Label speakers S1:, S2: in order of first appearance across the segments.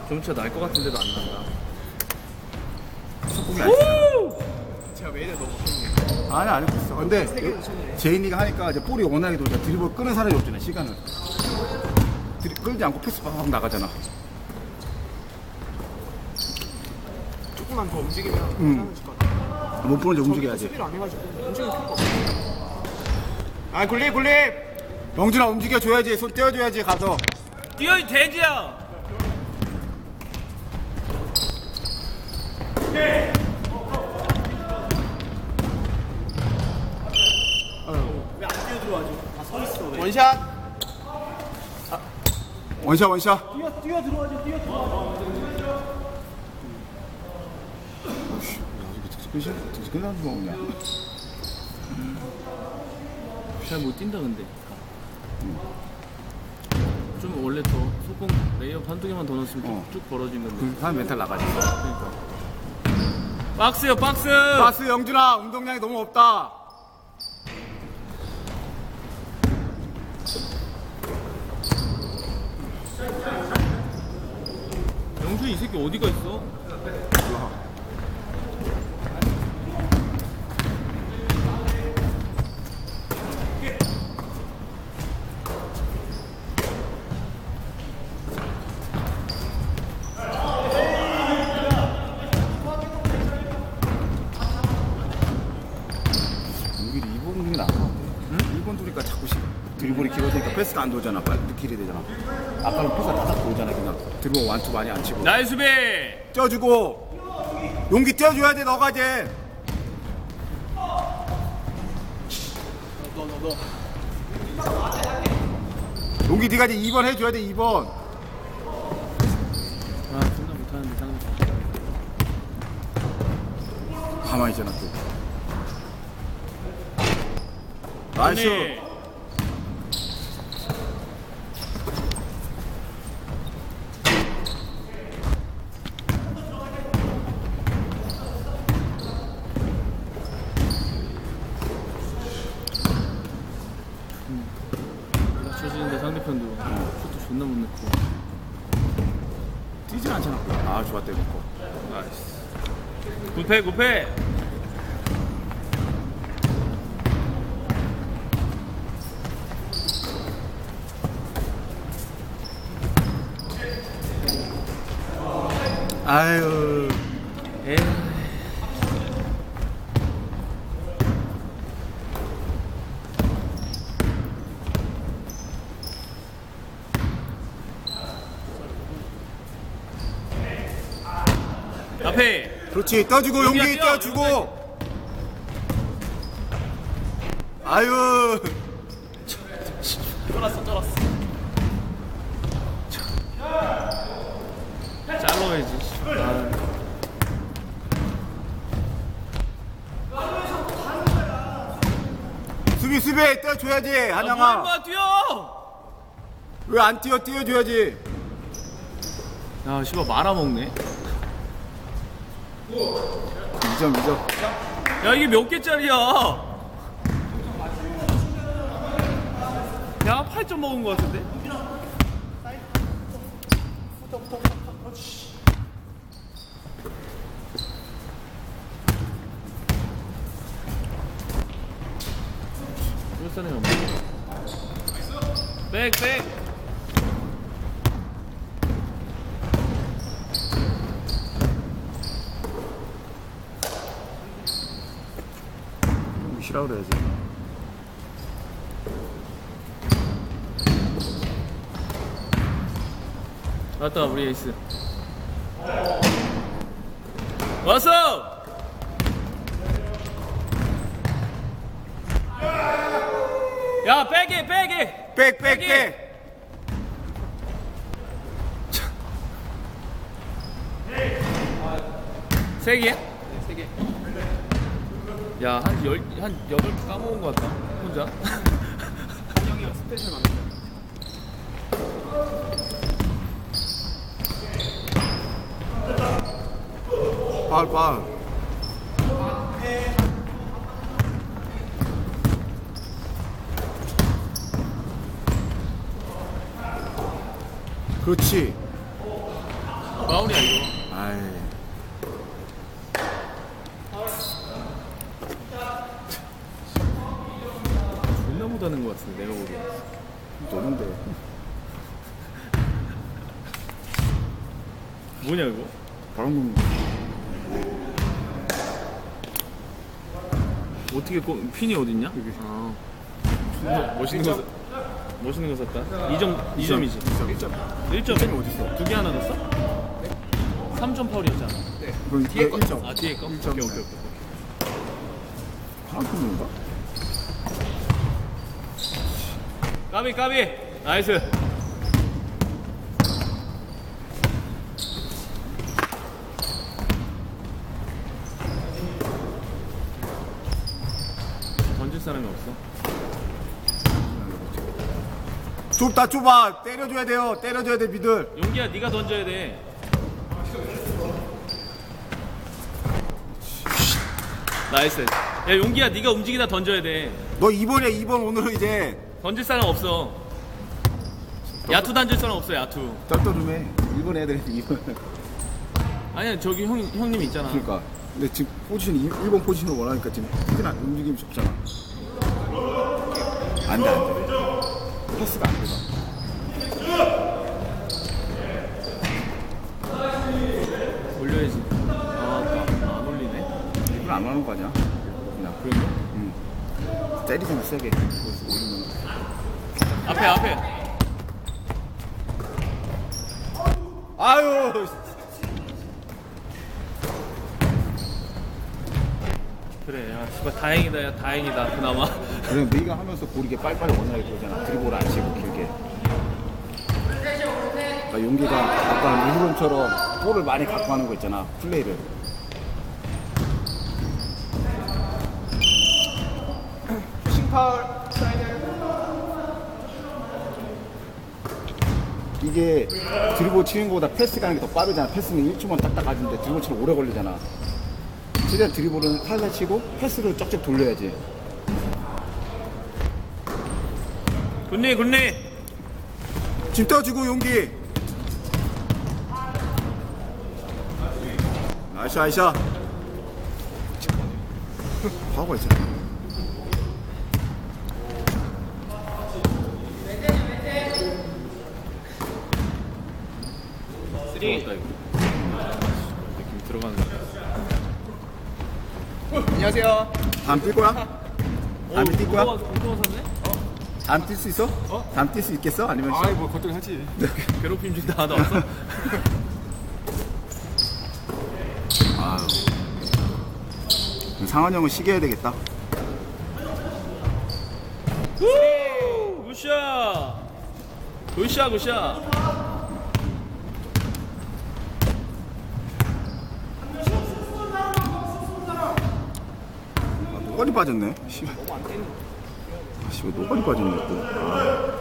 S1: 점차 날 것 같은데도 안 난다.
S2: 속공이 안 돼.
S1: 제가 왜 이래 너무 못했네.
S2: 아니 안 했어. 근데 제인이가 하니까 이제 볼이 워낙에 돌자 드리블 끄는 사람이 없잖아 시간을. 끌지 않고 패스 팍 나가잖아.
S3: 조금만 더 움직이면 괜찮아질 것 같아.
S2: 못 보는 데 움직여야지.
S3: 수비를 안 해가지고 움직이면 필요가 없어. 아 굴립.
S2: 영준아 움직여줘야지. 손 떼어줘야지 가서.
S1: 뛰어 이 돼지야. 왜 안 뛰어 들어와줘? 다 서 있어 왜?
S3: 원샷.
S2: 원샷.
S1: 뛰어 들어와줘.
S2: 끝나는 거 없냐?
S1: 잘 못 뛴다 근데. 좀 원래 더 속공 레이업 한두 개만 더 넣었으면 쭉 벌어진 건데.
S2: 그 사람 멘탈 나가지.
S1: 그러니까. 박스요 박스.
S2: 바스 영준아 운동량이 너무 없다.
S1: 영준 이 새끼 어디가 있어?
S2: 여기 2번이 나은 것 같아. 1번 두니까 자꾸 드리블이 길어지니까 패스가 안 돌잖아. 빨리 길이 되잖아. 아까는 패스가 다닥 돌잖아. 그냥 드리블 완투 많이 안 치고.
S1: 나이스 수비.
S2: 쪄주고 용기 쪄줘야 돼. 너가 이제.
S3: 너.
S2: 용기 네가 이제 2번 해줘야 돼. 2번.
S1: 아 존나 못하는데 상대.
S2: 가만히 있잖아 또. 나이스.
S1: 낮춰지는데 상대편도 슛도 존나 못 넣고.
S2: 뛰진 않잖아. 아 좋았다 이거.
S1: 나이스. 굿패.
S2: 아유.
S1: 에이. 앞에
S2: 그렇지. 떠주고 용기
S1: 뛰어,
S2: 떼어주고. 아유.
S1: 쫄았어. 잘라야지.
S2: 수비 떼어줘야지. 한양아.
S1: 한양아 뛰어.
S2: 왜 안 뛰어? 뛰어줘야지.
S1: 야 씨발 말아먹네.
S2: 2점.
S1: 야 이게 몇 개짜리야? 야 8점 먹은 거 같은데? 울산에 백.
S2: 쉬라 그래야지.
S1: 왔다 우리 에이스. 왔어. 야 빼게.
S2: 백.
S1: 세 개야? 세 개. 야, 한 8개 까먹은 것 같다. 혼자.
S3: 한영이가 스페셜 만든다.
S2: 파울. 그렇지.
S1: 파울이야 이거.
S2: 아이.
S1: 존나 못하는 것 같은데 내가 보기엔.
S2: 너는데.
S1: 뭐냐 이거?
S2: 바람
S1: 어떻게 핀이 어딨냐?
S2: 여기.
S1: 아. 존나 멋있는 거 샀다. 2점이지.
S2: 1점.
S1: 1점
S2: 어딨어?
S1: 두 개 하나 넣었어? 3점 파울이었잖아.
S2: 그럼 뒤에 거 1점.
S1: 아 뒤에 거? 오케이
S2: 1점.
S1: 오케이.
S2: 바람 핀인가?
S1: 까비 나이스. 던질 사람이 없어.
S2: 좁다 좁아. 때려줘야 돼요. 때려줘야 돼 미들.
S1: 용기야 네가 던져야 돼. 나이스. 야 용기야 네가 움직이다 던져야 돼.
S2: 너 2번이야 2번 오늘은 이제.
S1: 던질 사람 없어. 야투 던질 사람 없어 야투.
S2: 떨떠름해. 1번 애들이 2번.
S1: 아니야 저기 형님 있잖아.
S2: 그러니까. 근데 지금 포지션 1번 포지션을 원하니까 지금 피드나 움직임이 적잖아. 안돼. 패스가 안 돼.
S1: 올려야지. 안 올리네.
S2: 이걸 안 하는 거 아니야? 그냥.
S1: 그런가?
S2: 응. 때리면 세게. 거기서 올리면.
S1: 앞에.
S2: 아유.
S1: 그래 야 씨발 다행이다 야 다행이다 그나마.
S2: 그래 네가 하면서 고르게 빨리빨리 원활하게 보잖아. 드리블 안 치고 길게. 그러니까 용기가 아까 일본처럼 볼을 많이 갖고 하는 거 있잖아. 플레이를.
S3: 싱파울 사이드.
S2: 이게 드리블 치는 거보다 패스 가는 게 더 빠르잖아. 패스는 1초만 딱딱 가는데 드리블 치면 오래 걸리잖아. 최대한 드리블은 살살 치고 패스로 쩍쩍 돌려야지.
S1: 굿니.
S2: 지금 떠주고 용기. 아이샤. 파워가 있잖아.
S1: 들어갔다 이거. 느낌 들어가는 거.
S3: 안녕하세요.
S2: 다음 뛸 거야? 다음에 뛸 거야?
S1: 공통화 샀네?
S2: 다음 뛸 수 있어? 다음 뛸 수 있겠어? 아니면
S3: 아이 뭐 겉돌이 하지.
S1: 괴롭힘 준다 하다 왔어?
S2: 아유. 상환 형은 쉬게 해야 되겠다.
S1: 우! 굿샷.
S2: 노가리 빠졌네. 씨발. 씨발 노가리 빠졌네 또. 아.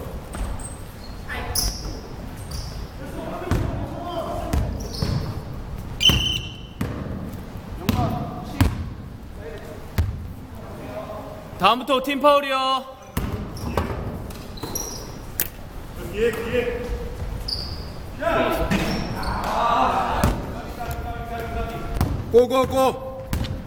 S1: 다음부터 팀 파울이요.
S2: 고고고.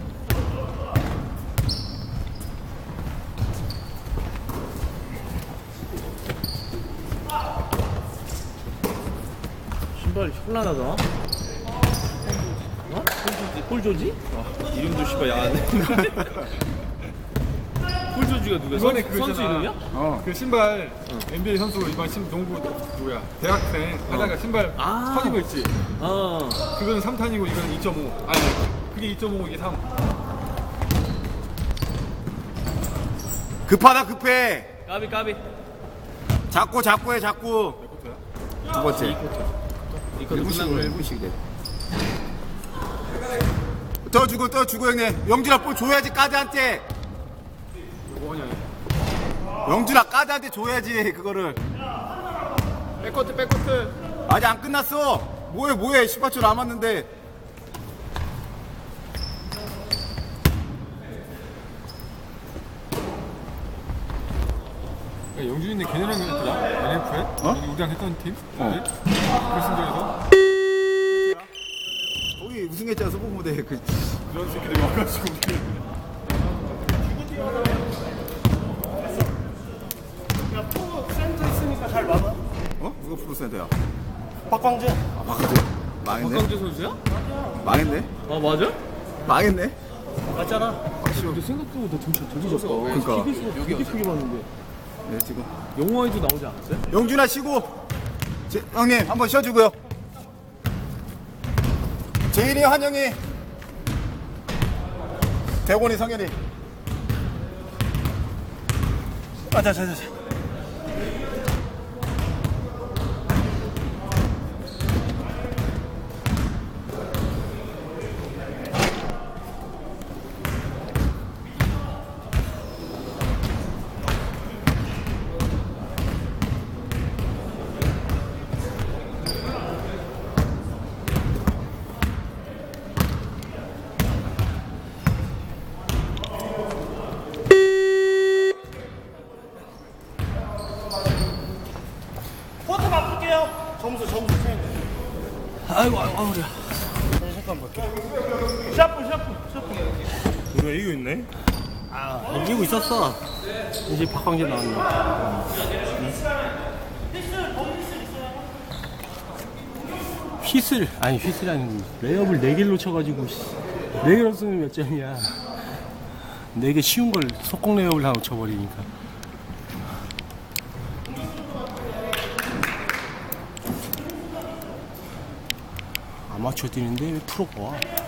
S1: 신발이 현란하다. 어? 폴조지? 이름도 씨발 야하네. 폴조지가 누구야?
S3: 이번에
S1: 선수 이름이야?
S3: 그 신발 NBA 선수 이번 농구 누구야? 대학생 하다가 신발
S1: 아.
S3: 터진 거 있지?
S1: 어.
S3: 그거는 3탄이고 이거는 2.5. 아니 그게 2.5 이게 3.
S2: 급하다 급해.
S1: 까비.
S2: 자꾸 해 자꾸. 두 번째.
S1: 이것도 끝난 거야.
S2: 1분씩 돼. 떠주고 형님. 영준아 볼 줘야지 까드한테.
S3: 뭐냐?
S2: 영준아 까드한테 줘야지 그거를.
S3: 백코트.
S2: 아직 안 끝났어. 뭐해 18초 남았는데.
S3: 영준이네 걔네랑 했더라? NF에?
S2: 어?
S3: 우리랑 했던 팀?
S2: 어.
S3: 결승전에서?
S2: 우승했잖아 소복 무대 그
S3: 그런 새끼들이 와가지고
S4: 야, 프로 센터 있으니까 잘 막아.
S2: 어? 누가 프로센터야?
S4: 박광재.
S2: 아 막아줘. 망했네.
S1: 박강재 선수야?
S2: 망했네.
S1: 아 맞아?
S2: 망했네.
S4: 맞잖아.
S1: 근데 생각보다 되게 좋다.
S2: 그러니까.
S1: 되게 크게 봤는데.
S2: 네 지금
S1: 영화에도 나오지 않았어요?
S2: 영준아 쉬고 형님 한번 쉬어주고요. 재인이 환영이 대곤이 성현이
S4: 자. 포트 바꿀게요. 점수 체인지.
S1: 아이고 허리야.
S4: 잠깐 볼게. 샤프.
S5: 우리가 이기고 있네.
S4: 아, 이기고 있었어. 이제 박광재 나왔네. 휘슬 아니 휘슬이 아니고 레이업을 4개를 놓쳐가지고 4개 넣었으면 몇 점이야. 4개 쉬운 걸 속공 레이업을 다 놓쳐버리니까. 아마추어 뛰는데 왜 프로가 와?